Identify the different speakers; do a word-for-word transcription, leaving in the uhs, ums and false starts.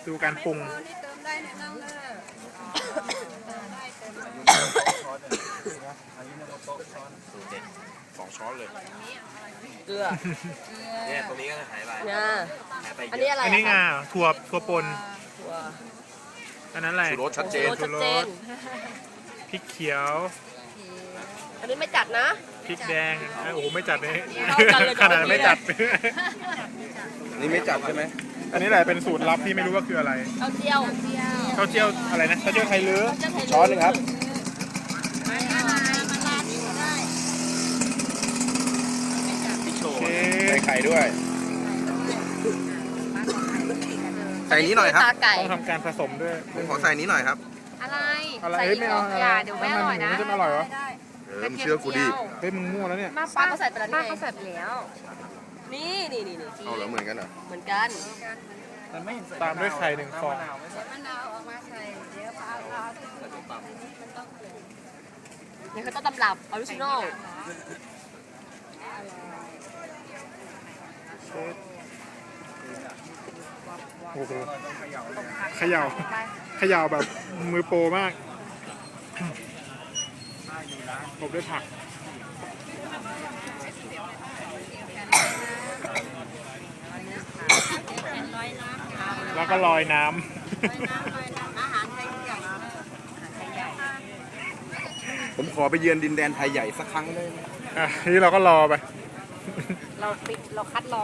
Speaker 1: ดูการปรุง
Speaker 2: นี่เติมได้เนี่ยน้องเออได้เติมได้
Speaker 3: สองช้อนเลย
Speaker 4: เกลือ
Speaker 3: เนี่ยตรงนี้ก็หายไป
Speaker 4: งา
Speaker 3: หายไป
Speaker 4: อัน
Speaker 3: เย
Speaker 4: นี้
Speaker 3: อะ
Speaker 4: อะไร
Speaker 1: อันนี้งาถั่วถั่วปน
Speaker 4: ถั่ว
Speaker 1: อันนั้นอะไร
Speaker 3: ชูรสชัดเจน
Speaker 4: โอ้ชัดเจน
Speaker 1: พริกเขียว
Speaker 4: อันนี้ไม่จัดนะ
Speaker 1: พริกแดงอ่ะโอ้โหไม่จัดเลย
Speaker 4: เท่ากันเลย
Speaker 1: ขนาดไม่จัด
Speaker 3: นี่ไม่จับใช่ไหม
Speaker 1: อันนี้แหละเป็นสูตรลับที่ไม่รู้ว่าคืออะไร
Speaker 4: ข้าวเจียว
Speaker 1: ข้าวเจียวอะไรนะข้าวเจียวไทยลื้อ
Speaker 4: ข้าวเจียวไทย
Speaker 3: ช้อนหนึงครับ
Speaker 2: ไม่อะไรมันราดนี่ก็ได้
Speaker 1: โอเค
Speaker 3: ใส่ไข่ด้วย ใส่นี้หน่อยครับ
Speaker 4: ตาไก่
Speaker 1: ต้องทำการผสมด้วย
Speaker 3: ผมขอใส่นี้หน่อยครับ
Speaker 2: อะไร
Speaker 1: อะไรเฮ้ยไม่เอา
Speaker 2: อย่าเดี๋ยวไม่อร่อยนะ
Speaker 1: มันจะไม่อร่อยวะ
Speaker 2: ได้
Speaker 3: เออมึงเชื่อกูดิ
Speaker 1: เฮ้ยมึงมั่วแล้วเนี่ย
Speaker 4: มาป้าเขาใส่ไปแล้ว
Speaker 2: ป้า
Speaker 4: นี่
Speaker 2: เขาใส่ไปแล้ว
Speaker 4: นี่นี่นี่นี่
Speaker 3: เอาเหรอเหมือนกันเหรอ
Speaker 4: เหมือนกัน
Speaker 1: ตามด้วยไข่หนึ่งฟอง
Speaker 2: เดี๋ยวมะนาวเอามาใส่เดี๋ยวเอาเอาที่มันต้อง
Speaker 4: นี่คือต้นตำรับออริจินอล
Speaker 1: โอ้โหเขย่าเขย่าแบบมือโปรมากผมด้วยผัก แล้วก็ลอยน้ำ
Speaker 2: อาหารไทยทุกอย่าง
Speaker 3: ผมขอไปเยือนดินแดนไทยใหญ่สักครั้งได้ไหม
Speaker 1: อ่ะนี่เราก็รอไป
Speaker 2: เราปิดเราคัดรอ